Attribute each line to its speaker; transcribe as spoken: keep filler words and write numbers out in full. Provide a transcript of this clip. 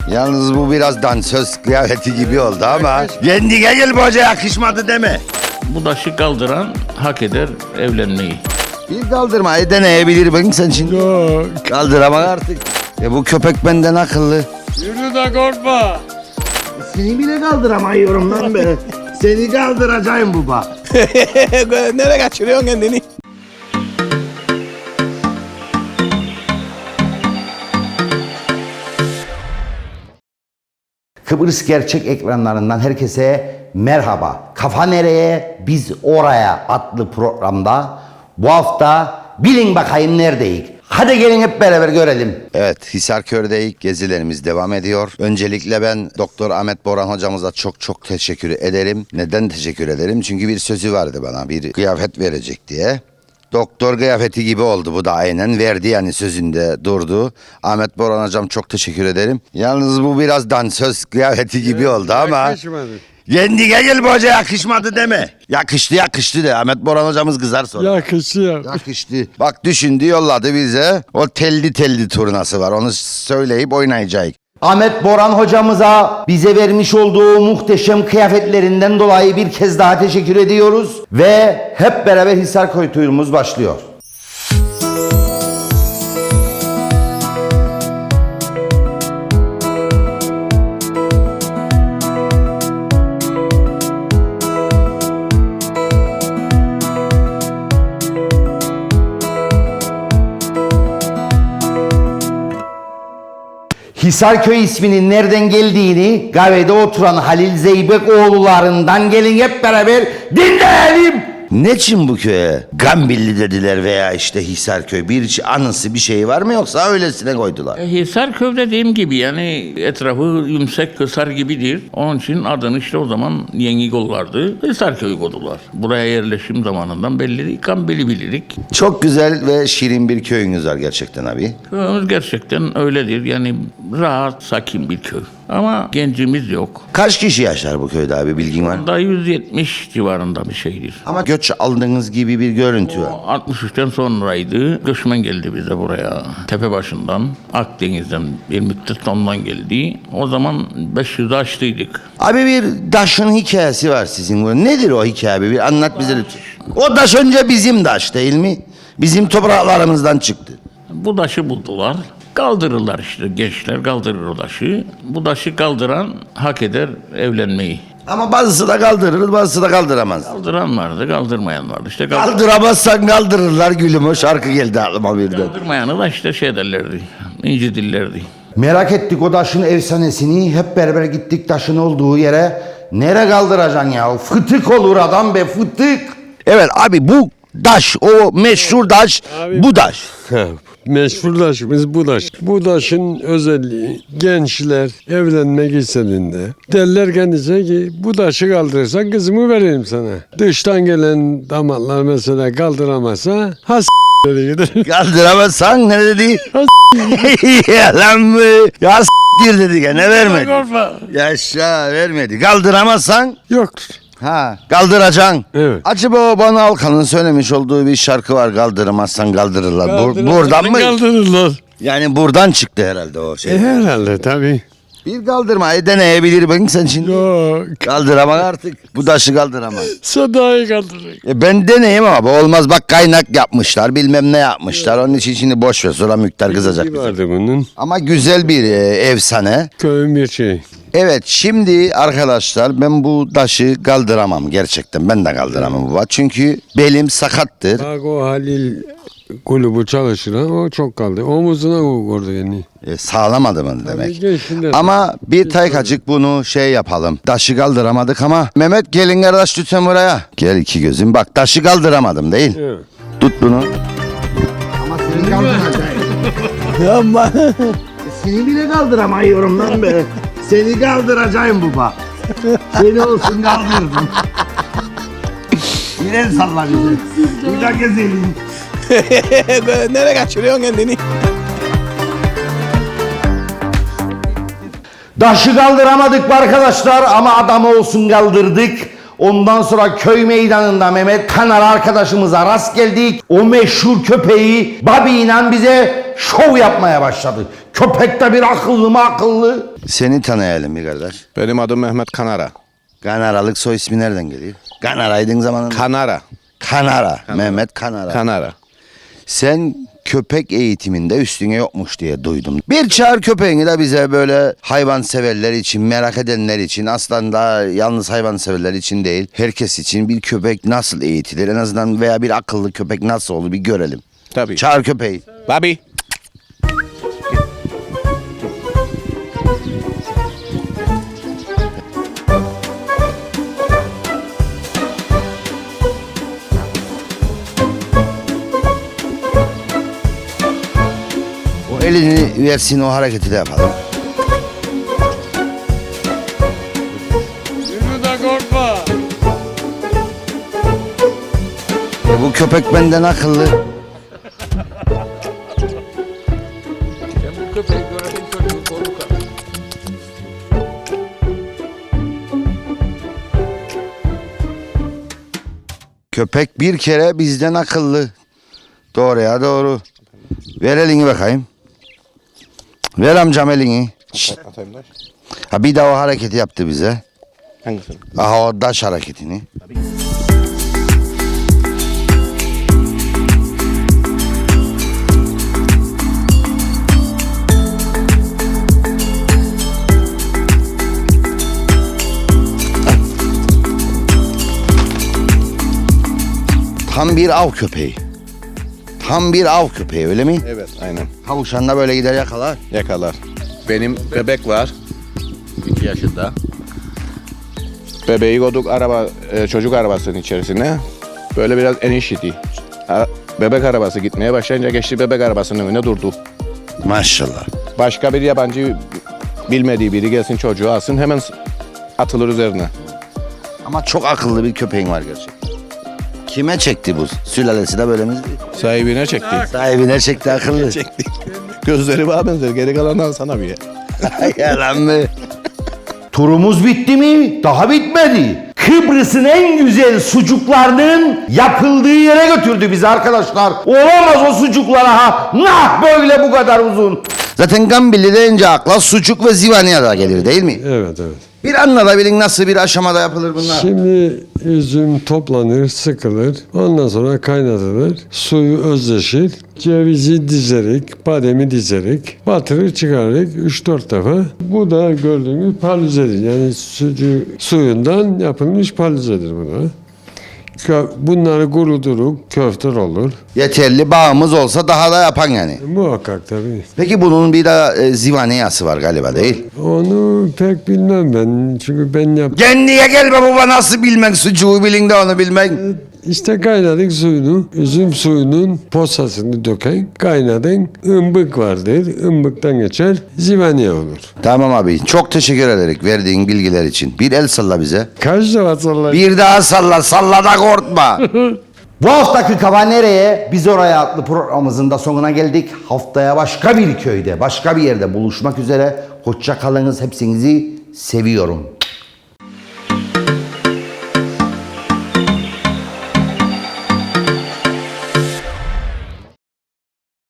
Speaker 1: Yalnız bu biraz dansöz kıyafeti gibi oldu ama kendine gel bu hoca, yakışmadı deme.
Speaker 2: Bu daşı kaldıran hak eder evlenmeyi.
Speaker 1: Bir kaldırmayı deneyebilir bakın sen şimdi.
Speaker 3: Yok.
Speaker 1: Kaldıramam artık. E bu köpek benden akıllı.
Speaker 3: Yürü de korkma.
Speaker 1: Seni bile kaldıramıyorum lan be. Seni kaldıracağım baba.
Speaker 4: Nereye kaçırıyorsun kendini?
Speaker 1: Kıbrıs Gerçek ekranlarından herkese merhaba. Kafa Nereye, Biz Oraya adlı programda bu hafta bilin bakayım neredeyiz. Hadi gelin hep beraber görelim. Evet, Hisarköy'deyiz. Gezilerimiz devam ediyor. Öncelikle ben Doktor Ahmet Boran hocamıza çok çok teşekkür ederim. Neden teşekkür ederim? Çünkü bir sözü vardı bana, bir kıyafet verecek diye. Doktor kıyafeti gibi oldu bu da, aynen verdi, yani sözünde durdu. Ahmet Boran hocam çok teşekkür ederim. Yalnız bu biraz dansöz kıyafeti gibi evet, oldu ama
Speaker 3: yakışmadı.
Speaker 1: Kendine gel bu hoca, yakışmadı deme. Yakıştı yakıştı de, Ahmet Boran hocamız kızar sonra.
Speaker 3: Yakışıyor.
Speaker 1: Yakıştı. Bak düşündü, yolladı bize. O telli telli turnası var, onu söyleyip oynayacak. Ahmet Boran hocamıza bize vermiş olduğu muhteşem kıyafetlerinden dolayı bir kez daha teşekkür ediyoruz. Ve hep beraber Hisarköy turumuz başlıyor. Hisarköy isminin nereden geldiğini kahvede oturan Halil Zeybekoğullarından gelin hep beraber dinleyelim. Ne için bu köye Gambilli dediler veya işte Hisarköy, bir anısı bir şey var mı yoksa öylesine koydular?
Speaker 2: E, Hisarköy dediğim gibi yani etrafı yumuşak kısar gibidir. Onun için adını işte o zaman Yeni Gollardı. Hisarköy koydular. Buraya yerleşim zamanından belli, Gambili bilirik.
Speaker 1: Çok güzel ve şirin bir köyünüz var gerçekten abi.
Speaker 2: Köyümüz gerçekten öyledir. Yani rahat, sakin bir köy. Ama gencimiz yok.
Speaker 1: Kaç kişi yaşar bu köyde abi, bilgin var mı?
Speaker 2: Da yüz yetmiş civarında bir şeydir.
Speaker 1: Ama göç aldığınız gibi bir görüntü var.
Speaker 2: altmış üçten sonraydı. Göçmen geldi bize buraya. Tepe başından, Akdeniz'den bir müddet ondan geldi. O zaman beş yüzü aştıydık.
Speaker 1: Abi bir daşın hikayesi var sizin burada. Nedir o hikaye abi? Bir anlat bize lütfen. O daş önce bizim daş değil mi? Bizim topraklarımızdan çıktı.
Speaker 2: Bu taşı buldular. Kaldırırlar işte, gençler kaldırır o taşı. Bu taşı kaldıran hak eder evlenmeyi.
Speaker 1: Ama bazısı da kaldırır, bazısı da kaldıramaz.
Speaker 2: Kaldıran vardı, kaldırmayan vardı. İşte kaldır-
Speaker 1: Kaldıramazsan kaldırırlar gülüm, o şarkı geldi aklıma birden.
Speaker 2: kaldırmayanı da işte şey derlerdi, incidirlerdi.
Speaker 1: Merak ettik o taşın efsanesini, hep beraber gittik taşın olduğu yere. Nere kaldıracaksın ya? Fıtık olur adam be, fıtık. Evet abi, bu taş, o meşhur taş,
Speaker 3: Abi-
Speaker 1: bu taş.
Speaker 3: Meşhur taşımız bu taş. Bu taşın özelliği gençler evlenmek istediğinde derler kendisine ki bu taşı kaldırırsan kızımı vereyim sana. Dıştan gelen damatlar mesela kaldıramazsa has dedi gider.
Speaker 1: Kaldıramazsan ne dedi? Yalan mı? Ya s**tir dedi ya, ne vermedi?
Speaker 3: Korkma.
Speaker 1: Yaşa, vermedi. Kaldıramazsan
Speaker 3: Yoktur.
Speaker 1: ha kaldıracaksın.
Speaker 3: Evet.
Speaker 1: Acaba o Banu Alkan'ın söylemiş olduğu bir şarkı var, kaldıramazsan kaldırırlar. Bur-
Speaker 3: Kaldıramazsan
Speaker 1: buradan mı?
Speaker 3: Kaldırırlar.
Speaker 1: Yani buradan çıktı herhalde o şey.
Speaker 3: E, herhalde tabii.
Speaker 1: Bir kaldırmayı deneyebilir bakın sen şimdi.
Speaker 3: Yok.
Speaker 1: Kaldıramaz artık. Bu taşı kaldıramaz.
Speaker 3: Sadayı kaldırır.
Speaker 1: E ben deneyeyim ama bu olmaz, bak kaynak yapmışlar, bilmem ne yapmışlar. Onun için şimdi boş ver, sonra Müktar kızacak
Speaker 3: Bir
Speaker 1: bize.
Speaker 3: vardı bunun.
Speaker 1: Ama güzel bir e, efsane.
Speaker 3: Köyün bir şey.
Speaker 1: Evet, şimdi arkadaşlar ben bu taşı kaldıramam gerçekten, ben de kaldıramam baba. Çünkü belim sakattır.
Speaker 3: Bak o Halil kulübü çalışıran o çok kaldı. Omuzuna vurdu yani.
Speaker 1: E, sağlamadı mı demek.
Speaker 3: gençliğinde-
Speaker 1: Ama bir taykacık bunu şey yapalım. Taşı kaldıramadık ama Mehmet gelin kardeş lütfen buraya. Gel iki gözüm, bak taşı kaldıramadım değil.
Speaker 3: Evet.
Speaker 1: Tut bunu. Ama seni kaldıracaksın.
Speaker 4: Yapma.
Speaker 1: Seni bile kaldıramıyorum lan be. Seni kaldıracağım baba. Seni olsun kaldırdım. Yine salla bizi. Bir daha gezelim.
Speaker 4: Nereye kaçırıyorsun kendini?
Speaker 1: Taşı kaldıramadık arkadaşlar ama adamı olsun kaldırdık. Ondan sonra köy meydanında Mehmet Kanar arkadaşımıza rast geldik. O meşhur köpeği Bobby ile bize şov yapmaya başladı. Köpek de bir akıllı mı akıllı? Seni tanıyalım bir kardeş.
Speaker 5: Benim adım Mehmet Kanara.
Speaker 1: Kanaralık soy ismi nereden geliyor? Kanaraydın zamanında.
Speaker 5: Kanara.
Speaker 1: Kanara. Mehmet Kanara.
Speaker 5: Kanara.
Speaker 1: Sen köpek eğitiminde üstüne yokmuş diye duydum. Bir çağır köpeğini de bize böyle hayvan severler için, merak edenler için, aslında yalnız hayvan severler için değil, herkes için bir köpek nasıl eğitilir en azından veya bir akıllı köpek nasıl olur bir görelim.
Speaker 5: Tabii.
Speaker 1: Çağır köpeği.
Speaker 5: Bobby.
Speaker 1: O elini versin, o hareketi de yapalım.
Speaker 3: Yürü de korkma.
Speaker 1: E bu köpek benden akıllı.
Speaker 2: Sen bu köpeği gördün çocuğu korkar.
Speaker 1: Köpek bir kere bizden akıllı. Doğru ya doğru. Ver elini bakayım. Ver amcam elini. Şşt.
Speaker 5: Atayım da.
Speaker 1: Ha bir daha o hareketi yaptı bize.
Speaker 5: Hangisini?
Speaker 1: Aha o daş hareketini. Tam bir av köpeği. Tam bir av köpeği öyle mi?
Speaker 5: Evet, aynen.
Speaker 1: Tavuşan da böyle gider yakalar.
Speaker 5: Yakalar. Benim bebek var. iki yaşında. Bebeği koyduk araba, e, çocuk arabasının içerisine. Böyle biraz eniş idi. Ara- Bebek arabası gitmeye başlayınca geçti bebek arabasının önüne durdu.
Speaker 1: Maşallah.
Speaker 5: Başka bir yabancı bilmediği biri gelsin çocuğu alsın hemen atılır üzerine.
Speaker 1: Ama çok akıllı bir köpeğin var gerçekten. Kime çekti bu? Sülalesi de böyle mi?
Speaker 5: Sahibine çekti.
Speaker 1: Sahibine çekti akıllı.
Speaker 5: Çekti. Gözleri bana benzer. Geri kalandan sana bir.
Speaker 1: Yalan mı? Turumuz bitti mi? Daha bitmedi. Kıbrıs'ın en güzel sucuklarının yapıldığı yere götürdü bizi arkadaşlar. Olamaz o sucuklara ha. Nah böyle bu kadar uzun. Zaten Gambili deyince akla sucuk ve zivaniye da gelir değil mi?
Speaker 3: Evet evet.
Speaker 1: Bir anlatabilin nasıl bir aşamada yapılır bunlar?
Speaker 3: Şimdi üzüm toplanır, sıkılır. Ondan sonra kaynatılır. Suyu özleşir. Cevizi dizerik, bademi dizerik. Batırır çıkarırız üç dört defa. Bu da gördüğünüz paralizedir. Yani sucu, suyundan yapılmış paralizedir bu da. Kö- Bunları kuruduruk, köfter olur.
Speaker 1: Yeterli bağımız olsa daha da yapan yani.
Speaker 3: Muhakkak tabii.
Speaker 1: Peki bunun bir de e, zivaniyası var galiba değil?
Speaker 3: Onu pek bilmem ben. Çünkü ben yap.
Speaker 1: Kendine gelme baba nasıl bilmek sucuğu bilin de onu bilmek.
Speaker 3: İşte kaynadık suyunu, üzüm suyunun posasını döken kaynadın ımbık vardır. Imbıktan geçer, zivaniye olur.
Speaker 1: Tamam abi çok teşekkür ederim verdiğin bilgiler için. Bir el salla bize.
Speaker 3: Kaç defa sallayın?
Speaker 1: Bir daha salla, salla da korkma. Bu haftaki Kafa Nereye? Biz Oraya adlı programımızın da sonuna geldik. Haftaya başka bir köyde, başka bir yerde buluşmak üzere. Hoşça kalınız, hepsinizi seviyorum.